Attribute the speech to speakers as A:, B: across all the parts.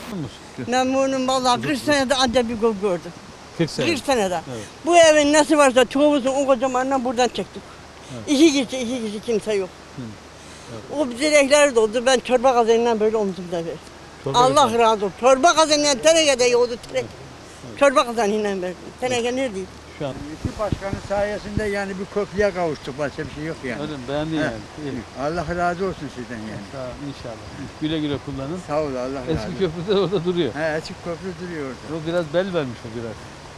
A: Memnunum vallahi 40 senede ancak bir gol gördüm.
B: 40 sene.
A: 40 senede.
B: Evet.
A: Bu evin nesi varsa çoğumuzun o kocamanından buradan çektik.
B: Evet.
A: İki kişi kimse yok. O direkleri doldu. Ben çorba kazanından böyle omzumda verdim. Allah razı olsun. Çorba kazanından tenekede yoğdu teneke. Çorba kazanından verdim. Teneke neredeydi?
B: Şu an
C: İki başkanın sayesinde yani bir köprüye kavuştuk. Başka bir şey yok yani.
B: öyle mi? Beğendin
C: He.
B: yani. İyi.
C: Allah razı olsun sizden yani.
B: Sağ ol, inşallah. Güle güle kullanın.
C: Sağ ol Allah razı
B: Eski
C: olsun.
B: köprü de orada duruyor.
C: He, açık köprü duruyor orada.
B: O biraz bel vermiş o biraz.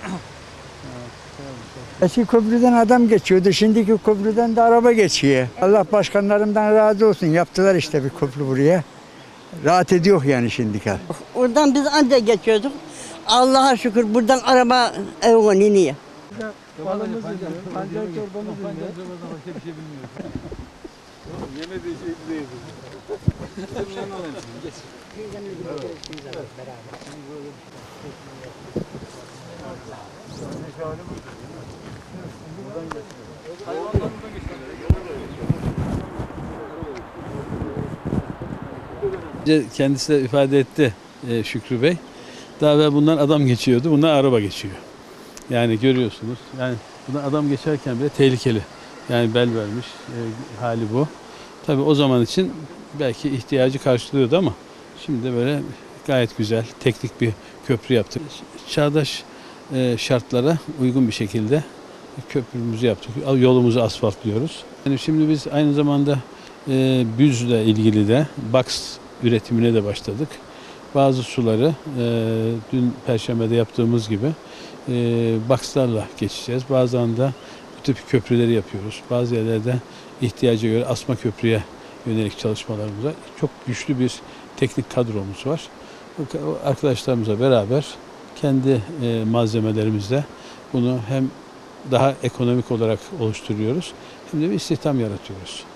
C: Eski köprüden adam geçiyordu. Şimdiki köprüden de araba geçiyor. Allah başkanlarımdan razı olsun. Yaptılar işte bir köprü buraya. Rahat ediyor yani şimdiki.
A: Oradan biz ancak geçiyorduk. Allah'a şükür buradan araba evine iniyor.
B: Balımızı yiyor, pancar çorbamızı yiyor. Pancar çorbadan başka bir şey bilmiyoruz. Yemediği şey bize yedir. Kendisi de ifade etti Şükrü Bey. Daha evvel bundan adam geçiyordu, bundan araba geçiyor. Yani görüyorsunuz, yani bundan adam geçerken bile tehlikeli. Yani bel vermiş hali bu. Tabii o zaman için belki ihtiyacı karşılıyordu ama şimdi de böyle gayet güzel, teknik bir köprü yaptık. Çağdaş şartlara uygun bir şekilde köprümüzü yaptık. Yolumuzu asfaltlıyoruz. Yani şimdi biz aynı zamanda büzle ilgili de box üretimine de başladık. Bazı suları dün Perşembe'de yaptığımız gibi boxlarla geçeceğiz. Bazen de bu tip köprüleri yapıyoruz. Bazı yerlerde ihtiyaca göre asma köprüye yönelik çalışmalarımız var. Çok güçlü bir teknik kadromuz var. Arkadaşlarımızla beraber kendi malzemelerimizle bunu hem daha ekonomik olarak oluşturuyoruz hem de bir istihdam yaratıyoruz.